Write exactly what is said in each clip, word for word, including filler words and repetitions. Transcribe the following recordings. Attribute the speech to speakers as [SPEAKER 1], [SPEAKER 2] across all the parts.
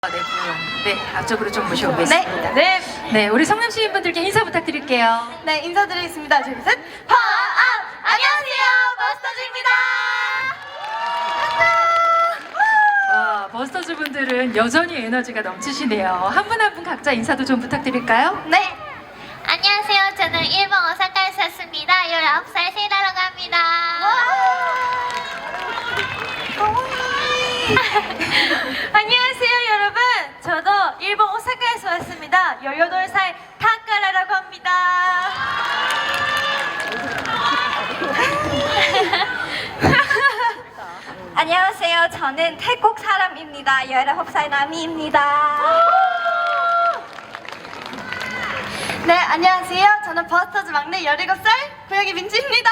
[SPEAKER 1] 네, 분. 네, 앞쪽으로 좀 모셔보겠습니다.
[SPEAKER 2] 네, 네,
[SPEAKER 1] 네, 우리 성남 시민분들께 인사 부탁드릴게요.
[SPEAKER 2] 네, 인사드리겠습니다. 둘, 셋. 파업! 안녕하세요, 버스터즈입니다.
[SPEAKER 1] 와, 버스터즈 분들은 여전히 에너지가 넘치시네요. 한 분 한 분 각자 인사도 좀 부탁드릴까요?
[SPEAKER 2] 네,
[SPEAKER 3] 안녕하세요. 저는 일본 오사카에서 왔습니다. 열아홉 살 세이라라고 합니다.
[SPEAKER 2] 안녕하세요, 여러분. 저도 일본 오사카에서 왔습니다. 열여덟 살 타카라라고 합니다. 안녕하세요. 저는 태국 사람입니다. 열아홉 살 나미입니다. 네, 안녕하세요. 저는 버스터즈 막내 열일곱 살 고양이 민지입니다.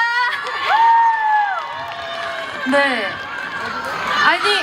[SPEAKER 1] 네. 아니.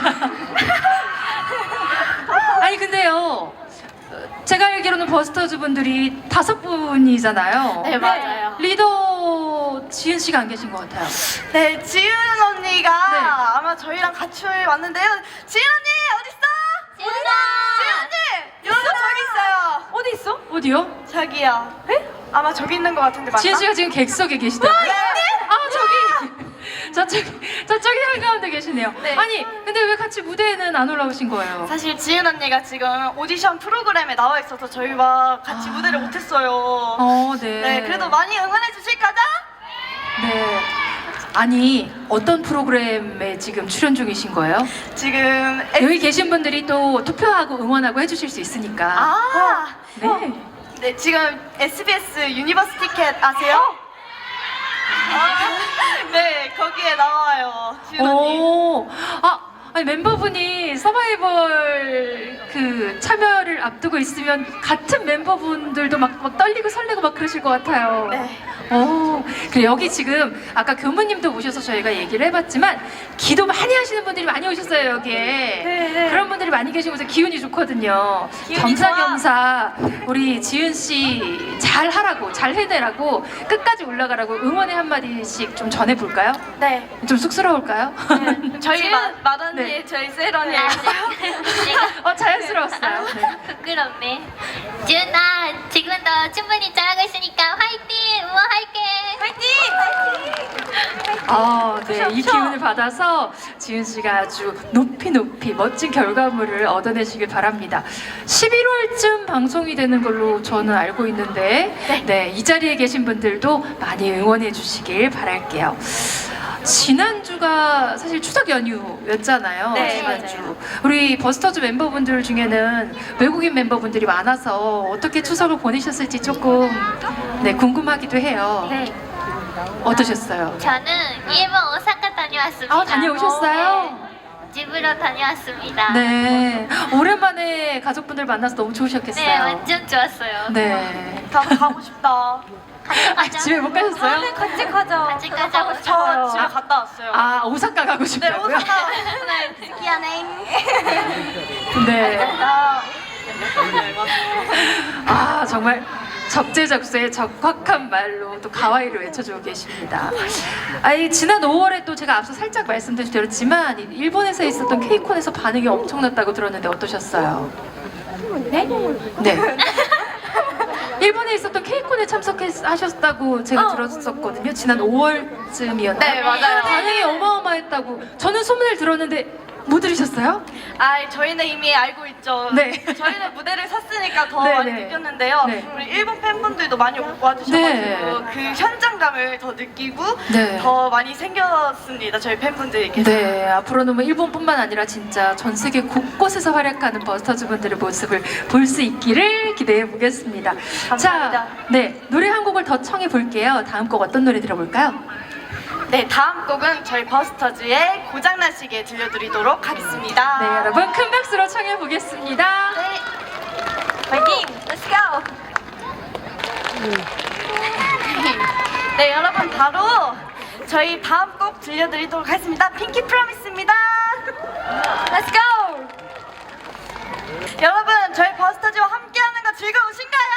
[SPEAKER 1] 아니, 근데요. 제가 알기로는 버스터즈 분들이 다섯 분이잖아요.
[SPEAKER 2] 네, 맞아요.
[SPEAKER 1] 리더 지은 씨가 안 계신 것 같아요.
[SPEAKER 2] 네, 지은 언니가
[SPEAKER 1] 네.
[SPEAKER 2] 아마 저희랑 같이 왔는데요. 지은 언니 어디 있어?
[SPEAKER 3] 지은아!
[SPEAKER 2] 지은 언니! 여러분 저기 있어요. 어디 있어?
[SPEAKER 1] 어디요?
[SPEAKER 2] 저기요. 네? 아마 저기 있는 것 같은데 맞나?
[SPEAKER 1] 지은 씨가 지금 객석에 계시더라고요.
[SPEAKER 2] 네.
[SPEAKER 1] 아, 저기. 저쪽이, 저쪽이 한가운데 계시네요.
[SPEAKER 2] 네.
[SPEAKER 1] 아니, 근데 왜 같이 무대에는 안 올라오신 거예요?
[SPEAKER 2] 사실 지은 언니가 지금 오디션 프로그램에 나와 있어서 저희와 같이
[SPEAKER 1] 아.
[SPEAKER 2] 무대를 못했어요.
[SPEAKER 1] 어, 네.
[SPEAKER 2] 네, 그래도 많이 응원해 주실 거죠?
[SPEAKER 1] 네. 아니, 어떤 프로그램에 지금 출연 중이신 거예요?
[SPEAKER 2] 지금 에...
[SPEAKER 1] 여기 계신 분들이 또 투표하고 응원하고 해주실 수 있으니까.
[SPEAKER 2] 아,
[SPEAKER 1] 네.
[SPEAKER 2] 네, 지금 에스비에스 유니버스 티켓 아세요? 아, 네, 거기에 나와요, 지은 언니.
[SPEAKER 1] 오, 아, 아니 멤버분이 서바이벌 그 참여를 앞두고 있으면 같은 멤버분들도 막, 막 떨리고 설레고 막 그러실 것 같아요.
[SPEAKER 2] 네.
[SPEAKER 1] 오, 그래 여기 지금 아까 교무님도 오셔서 저희가 얘기를 해봤지만 기도 많이 하시는 분들이 많이 오셨어요 여기에.
[SPEAKER 2] 네, 네.
[SPEAKER 1] 그런 분들이 많이 계시면서 기운이 좋거든요.
[SPEAKER 2] 기운이
[SPEAKER 1] 겸사겸사 우리 지은 씨 잘 하라고 잘 해내라고 끝까지 올라가라고 응원의 한 마디씩 좀 전해 볼까요?
[SPEAKER 2] 네.
[SPEAKER 1] 좀 쑥스러울까요?
[SPEAKER 2] 네. 저희 마, 마언니,
[SPEAKER 1] 네.
[SPEAKER 2] 저희 셀 언니.
[SPEAKER 3] 아, 내가
[SPEAKER 1] 어 자연스러웠어요. 네.
[SPEAKER 3] 부끄럽네. 지은아, 지금도 충분히 잘하고 있으니까 화이팅! 응원할게!
[SPEAKER 2] 화이팅!
[SPEAKER 1] 아, 네. 이 기운을 받아서 지은 씨가 아주 높이 높이 멋진 결과물을 얻어내시길 바랍니다. 십일월쯤 방송이 되는 걸로 저는 알고 있는데, 네, 이 자리에 계신 분들도 많이 응원해 주시길 바랄게요. 지난주가 사실 추석 연휴였잖아요.
[SPEAKER 2] 네,
[SPEAKER 1] 지난주.
[SPEAKER 2] 맞아요.
[SPEAKER 1] 우리 버스터즈 멤버분들 중에는 외국인 멤버분들이 많아서 어떻게 추석을 보내셨을지 조금 네, 궁금하기도 해요.
[SPEAKER 3] 네.
[SPEAKER 1] 어떠셨어요?
[SPEAKER 3] 저는 일본 오사카 다녀왔습니다.
[SPEAKER 1] 아, 다녀오셨어요?
[SPEAKER 3] 집으로 다녀왔습니다.
[SPEAKER 1] 네. 오랜만에 가족분들 만나서 너무 좋으셨겠어요.
[SPEAKER 3] 네, 완전 좋았어요.
[SPEAKER 1] 네.
[SPEAKER 2] 나도 가고 싶다.
[SPEAKER 1] 아, 집에 못 가셨어요?
[SPEAKER 2] 네, 같이 가자.
[SPEAKER 3] 같이 가자고
[SPEAKER 2] 저 집에
[SPEAKER 1] 아,
[SPEAKER 2] 갔다 왔어요.
[SPEAKER 1] 아, 오사카 가고
[SPEAKER 2] 네,
[SPEAKER 1] 싶다고요?
[SPEAKER 2] 오사카. 네, 스키야네.
[SPEAKER 1] 네.
[SPEAKER 2] 아,
[SPEAKER 1] 아, 정말 적재적소에 적확한 말로 또 가와이를 외쳐주고 계십니다. 아니, 지난 오월에 또 제가 앞서 살짝 말씀드렸지만 일본에서 있었던 케이콘에서 반응이 엄청났다고 들었는데 어떠셨어요?
[SPEAKER 3] 네?
[SPEAKER 1] 네. 일본에 있었던 케이콘에 참석하셨다고 제가 들었었거든요. 지난 오월쯤이었나요?
[SPEAKER 2] 네, 맞아요.
[SPEAKER 1] 반응이 어마어마했다고. 저는 소문을 들었는데 못 들으셨어요?
[SPEAKER 2] 아, 저희는 이미 알고 있죠.
[SPEAKER 1] 네.
[SPEAKER 2] 저희는 무대를 샀으니까 더
[SPEAKER 1] 네,
[SPEAKER 2] 많이
[SPEAKER 1] 네.
[SPEAKER 2] 느꼈는데요.
[SPEAKER 1] 네.
[SPEAKER 2] 우리 일본 팬분들도 많이 와주셔가지고
[SPEAKER 1] 네.
[SPEAKER 2] 그 현장감을 더 느끼고
[SPEAKER 1] 네.
[SPEAKER 2] 더 많이 생겼습니다. 저희 팬분들께서.
[SPEAKER 1] 네, 앞으로는 뭐 일본뿐만 아니라 진짜 전 세계 곳곳에서 활약하는 버스터즈 분들의 모습을 볼 수 있기를 기대해 보겠습니다.
[SPEAKER 2] 감사합니다.
[SPEAKER 1] 자, 네, 노래 한 곡을 더 청해 볼게요. 다음 곡 어떤 노래 들어볼까요?
[SPEAKER 2] 네, 다음 곡은 저희 버스터즈의 고장나시게 들려드리도록 하겠습니다.
[SPEAKER 1] 네, 여러분 큰 박수로 청해 보겠습니다.
[SPEAKER 2] 네. 파이팅! Let's go! 네, 여러분 바로 저희 다음 곡 들려드리도록 하겠습니다. 핑키 프로미스입니다. Let's go! 여러분, 저희 버스터즈와 함께하는 거 즐거우신가요?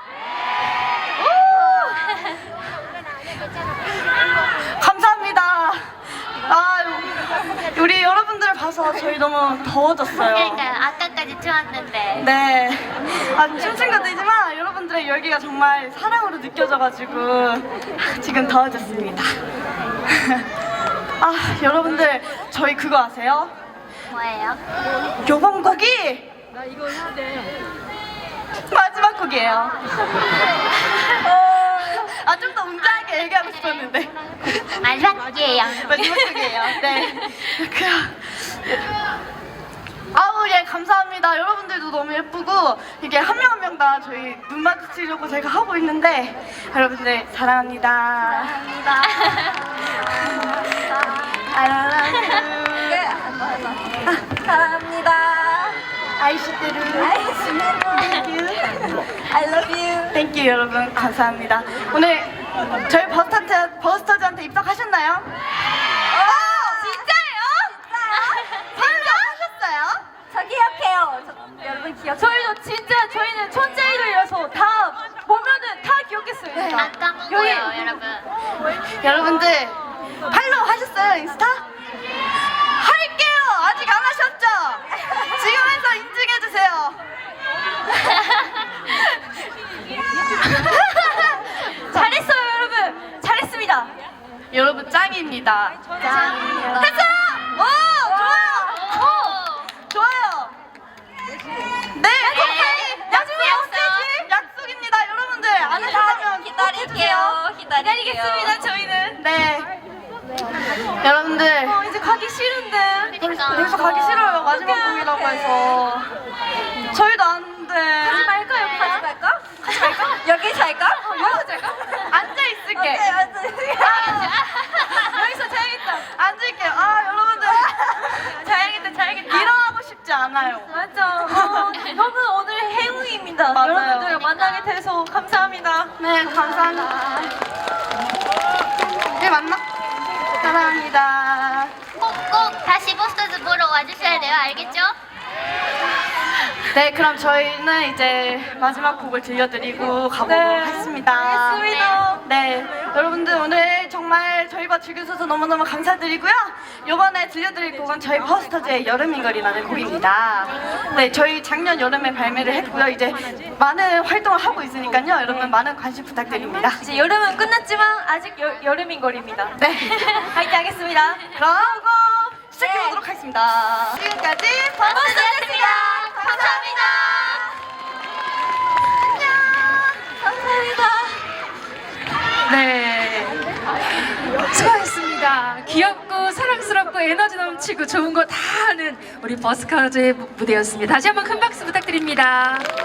[SPEAKER 2] 오! 감사합니다. 아, 우리 여러분들 봐서 저희 너무 더워졌어요.
[SPEAKER 3] 그러니까요. 아까까지 좋았는데.
[SPEAKER 2] 네. 아, 춤춘 것도이지만 여러분들의 열기가 정말 사랑으로 느껴져가지고 지금 더워졌습니다. 아, 여러분들 저희 그거 아세요?
[SPEAKER 3] 뭐예요?
[SPEAKER 2] 요번 곡이 마지막 곡이에요. 아, 좀 더 웅장하게 얘기하고 싶었는데
[SPEAKER 3] 마지막이에요.
[SPEAKER 2] 마지막 곡이에요. 네. 그 아우, 예, 감사합니다. 여러분들도 너무 예쁘고 이게 한 명 한 명 다 저희 눈 마주치려고 제가 하고 있는데 여러분들 사랑합니다.
[SPEAKER 3] 감사합니다.
[SPEAKER 2] I love you. 사랑합니다. 아이시테루. Thank you. I love you. Thank you, 여러분. 감사합니다. 오늘 저희 버스터즈, 버스터즈한테 입덕하셨나요? 어, 진짜예요? 진짜 하셨어요?
[SPEAKER 4] 저 기억해요. 저, 여러분 기억.
[SPEAKER 1] 저희도 진짜 저희는 천재이들이라서 다 보면은 다 기억했어요.
[SPEAKER 3] 안 까먹어요, 여러분.
[SPEAKER 2] 여러분들 팔로우 하셨어요, 인스타? 할게요. 아직 안 하셨죠? 지금 해서 인증해주세요.
[SPEAKER 4] 잘했어요, 여러분. 잘했습니다.
[SPEAKER 2] 여러분 짱입니다.
[SPEAKER 3] 짱이요.
[SPEAKER 2] 했어요! 오, 좋아요.
[SPEAKER 3] 오!
[SPEAKER 2] 좋아요. 네, 오케이. 나중에 없애지. 약속입니다. 여러분들 안 하셨다면
[SPEAKER 4] 기다릴게요. 기다리겠습니다.
[SPEAKER 2] 저희는. 네. 여러분들
[SPEAKER 4] 어, 이제 가기 싫은데.
[SPEAKER 3] 그러니까.
[SPEAKER 2] 여기서 가기 싫어요. 마지막
[SPEAKER 4] 어떡해.
[SPEAKER 2] 곡이라고 해서. 저희도 안 돼.
[SPEAKER 4] 가지 말까? 여기 가지 말까? 가지 말까? 여기 잘까? 어, 여기서 잘까?
[SPEAKER 2] 앉아 있을게.
[SPEAKER 4] 오케이, 앉아.
[SPEAKER 2] 여기서 자야겠다. 앉을게요. 아, 여러분들. 자야겠다, 자야겠다. 일어나고 싶지 않아요.
[SPEAKER 4] 맞아. 어, 너무 오늘 행운입니다.
[SPEAKER 2] 맞아요.
[SPEAKER 4] 여러분들 만나게 돼서 감사합니다.
[SPEAKER 2] 네, 감사합니다. 네, 맞나? 사랑합니다.
[SPEAKER 3] 꼭꼭 다시 버스터즈 보러 와주셔야 돼요. 알겠죠?
[SPEAKER 2] 네, 그럼 저희는 이제 마지막 곡을 들려드리고 가보도록
[SPEAKER 4] 네,
[SPEAKER 2] 하겠습니다.
[SPEAKER 4] 알겠습니다.
[SPEAKER 2] 네, 여러분들 오늘 정말 저희와 즐겨주셔서 너무너무 감사드리고요. 이번에 들려드릴 곡은 저희 버스터즈의 여름인 걸이라는 곡입니다. 네, 저희 작년 여름에 발매를 했고요. 이제 많은 활동을 하고 있으니까요. 여러분 많은 관심 부탁드립니다.
[SPEAKER 4] 이제 여름은 끝났지만 아직 여, 여름인 거리입니다.
[SPEAKER 2] 네,
[SPEAKER 4] 화이팅 하겠습니다.
[SPEAKER 2] 그럼 시작해보도록 하겠습니다. 지금까지 버스터즈였습니다. 감사합니다.
[SPEAKER 4] 감사합니다.
[SPEAKER 1] 네. 수고하셨습니다. 귀엽고 사랑스럽고 에너지 넘치고 좋은 거 다 하는 우리 버스커즈의 무대였습니다. 다시 한번 큰 박수 부탁드립니다.